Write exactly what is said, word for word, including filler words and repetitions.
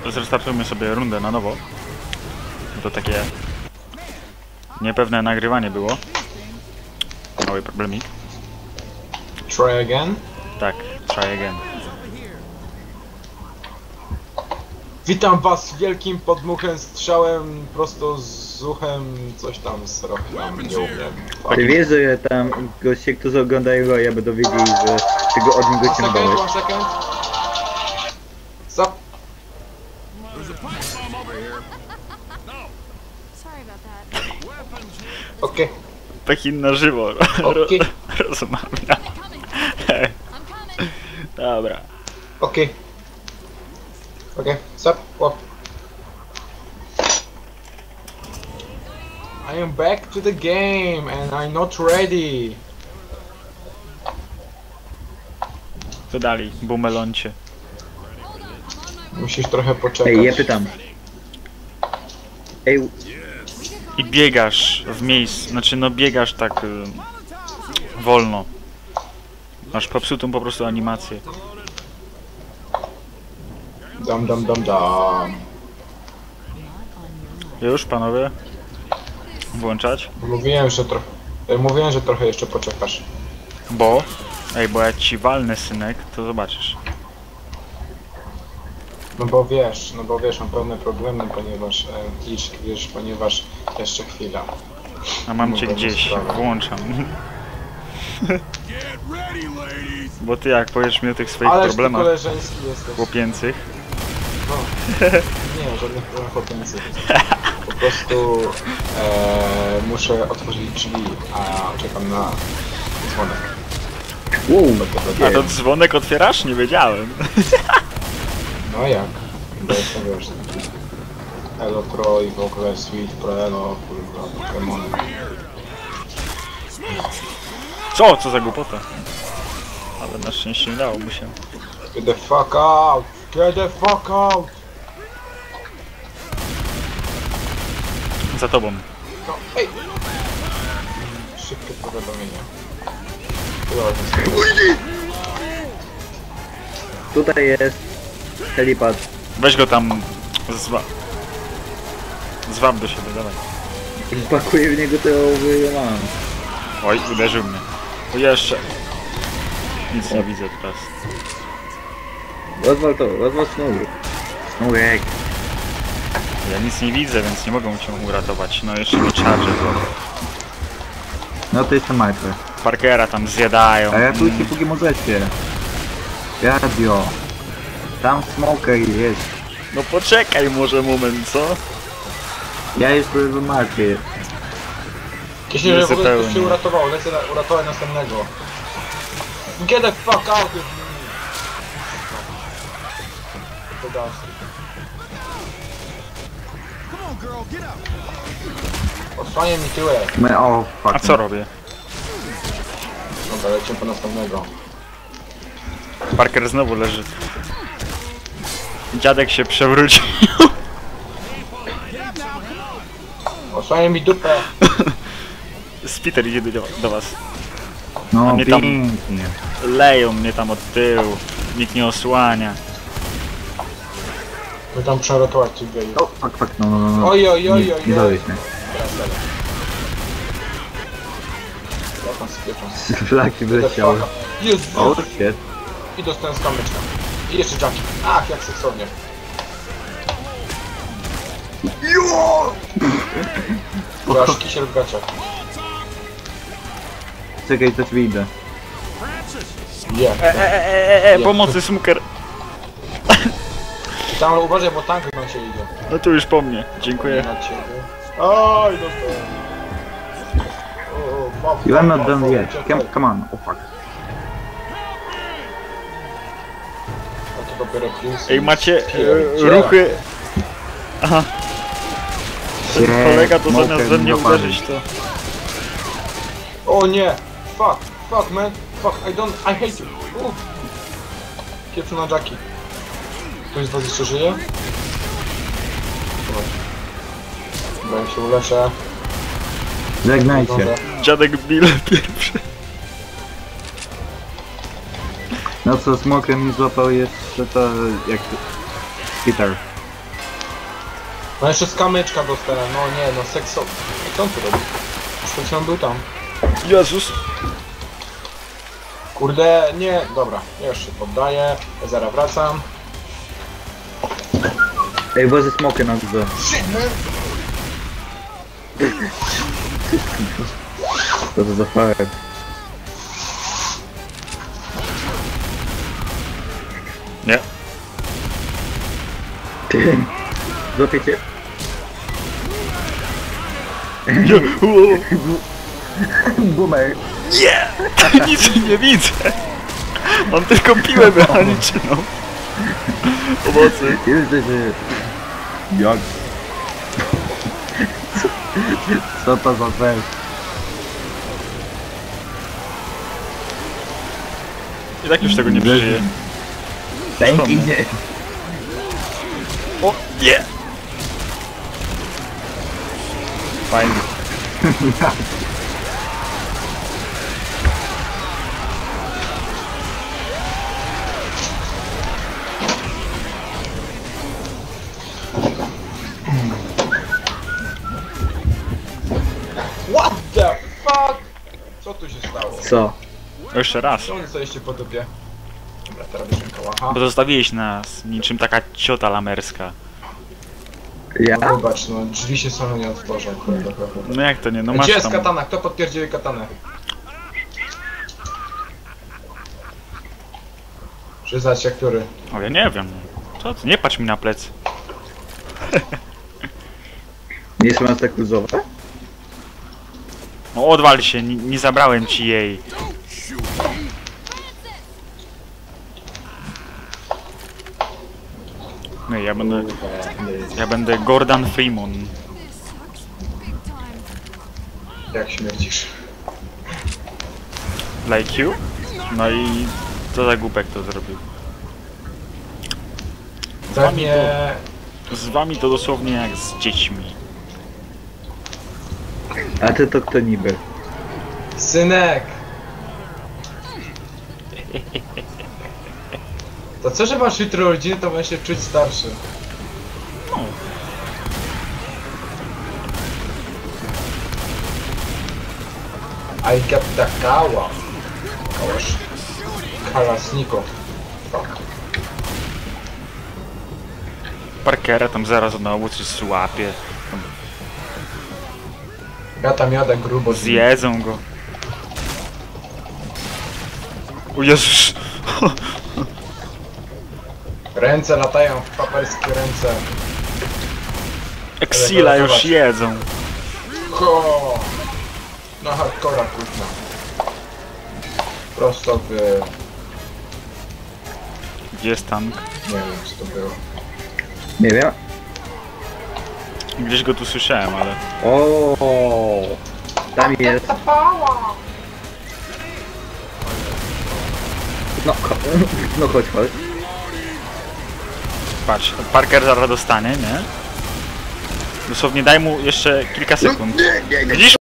zrestartujmy sobie rundę na nowo. To takie niepewne nagrywanie było. Mały problemik. Try again? Tak, try again. Witam was wielkim podmuchem, strzałem prosto z uchem, coś tam z rokiem, nie umiem. Ty wiesz, że tam goście, którzy oglądają, ja będą wiedzieli, że tego od niego One second, ciągnąłeś. one second. Stop. Okej. Okay. Pekin na żywo. Okay. Rozmawia. Dobra. Okej. Okay. Okej, okay. Stop. Łap. I am back to the game and I'm not ready. Co dalej, bumeloncie? Musisz trochę poczekać. Ej, ja pytam. Ej, I biegasz w miejscu, znaczy no biegasz tak y, wolno. Masz popsutą po prostu animację. Dam, dam, dam, dam. Już, panowie? Włączać? Mówiłem, że trochę... Mówiłem, że trochę jeszcze poczekasz. Bo? Ej, bo jak ci walnę, synek, to zobaczysz. No bo wiesz, no bo wiesz, mam pewne problemy, ponieważ... E, iż, wiesz, ponieważ... Jeszcze chwila. A mam No cię to gdzieś, sprawa. włączam. Bo ty jak powiesz mi o tych swoich Ależ ty problemach koleżeński jesteś. chłopięcych. No. Nie, żadnych problemów chłopięcych. Po prostu... E, muszę otworzyć drzwi, a czekam na dzwonek. wow, A to dzwonek otwierasz? Nie wiedziałem. No jak? Bo jestem, wiesz... Elo Pro i w ogóle Sweet Pro Elo, kurwa, Pokemony. Co? Co za głupota? Ale na szczęście nie dało mu się. Get the fuck out! Get the fuck out! Za tobą. No, ej! Szybkie powiadomienie. Dobra, tutaj jest helipad. Weź go tam zwa... Zwab do siebie, dawaj. Wpakuję w niego, to ja mam. Oj, uderzył mnie. O, jeszcze. Nic nie widzę teraz. Rozwal to, rozwal sznurek. Sznurek. Ja nic nie widzę, więc nie mogą cię uratować. No jeszcze mi charge było. No to jestem martwy. Parkera tam zjadają. A ja tu się póki możecie. Radio. Tam smoker jest. No poczekaj może moment, co? Ja już byłem martwy. Jeśli że w ogóle ktoś się Zupełnie. uratował, lecę na, uratować następnego. Get the fuck out of me! To dasz. Odsłania mi tyłek. My, o, fuck. A co robię? Dobra, lecimy po następnego. Parker znowu leży. Dziadek się przewrócił. Odsłania mi dupę. Spiter idzie do, do was. No mnie tam- pięknie. Leją mnie tam od tyłu. Nikt nie osłania. My tam przeratować tych gejów. O, fuck, fuck, no, no, no, no. Oj, oj, oj, Nie, oj, nie oj. dałeś mnie. Teraz, teraz. Ja tam spieprzam. Flaki wleciały. Jest! O, shit. I dostałem skamyczka. I jeszcze Jackie. Ach, jak seksownie. Jo! Aż kisiel w gaciach. Czekaj, coś wyjdę. Je. E, e, e, e, e, pomocy, smuker. I tam uważaj, bo tank na ciebie idzie. No tu już po mnie. Dziękuję. Na ciebie. Oj, dostałem. O, o, You are not mam, done mam, yet. uciekaj. Come, come on. Oh fuck. A to dopiero Prince. Ej, macie e, Pierdziele. ruchy. Aha, ten Shit, kolega to zamiast smoker we mnie mi dopadł. uderzyć to... O nie! Fuck! Fuck man! Fuck! I don't... I hate you! Uff! Kieprzy na Jackie. Ktoś z was jeszcze żyje? Chyba jak się uleczę. Żegnajcie. Dobra. Dziadek Bill pierwszy. No co, smoker mi złapał jeszcze to jak... Peter. No jeszcze z kamyczka dostałem, no nie, no sekso... Co on tu robi? Przed chwilą był tam. Jezus! Kurde, nie, dobra, ja już się poddaję, ja zaraz wracam. Ej, bo ze smokiem na górze. Co to za fire? Nie. Ty. Złapię cię. Nie! Uuu. Boomer. Nie! Nic nie widzę! Mam tylko piłę mechaniczną. Pomocy. Jesteś... Jak? Co to za cel? I tak już tego nie przeżyję. Tęki nie. O, nie! Fajnie. What the fuck? Co tu się stało? Co? O, jeszcze raz. Co oni stoiście po dupie? Dobra, teraz bierzemy kałacha. Bo zostawiłeś nas niczym taka ciota lamerska. Ja? No wybacz, no drzwi się same nie otworzą, kurde, kurde. No jak to nie? No masz Gdzie jest tam... katana? Kto potwierdził katanę? Przyznać się, który? O, ja nie wiem. Co ty? Nie patrz mi na plecy. Nie jest maska cruzowa? No odwal się, nie, nie zabrałem ci jej. No ja będę... Ja będę Gordon Freeman. Jak śmierdzisz? Like you? No i... Co za głupek to zrobił? Pewnie... Z wami to dosłownie jak z dziećmi. A ty to kto niby? Synek! To co, że masz jutro urodziny, to będę się czuć starszy. No. I got the kała. Kałasz. Kalasniko. Fuck. Parkera tam zaraz znowu coś złapie. Ja tam jadę grubo z Zjedzą go. O Jezus! Ręce latają w paperskie ręce. Exila już Zobacz. jedzą. Ho! Na hardcora kurwa. Prosto w... Gdzie jest tank? Nie wiem co to było. Nie wiem. Gdzieś go tu słyszałem, ale... O, tam jest. No, cho- no chodź, chodź. Patrz, Parker zaraz dostanie, nie? Dosłownie daj mu jeszcze kilka sekund. Widzisz?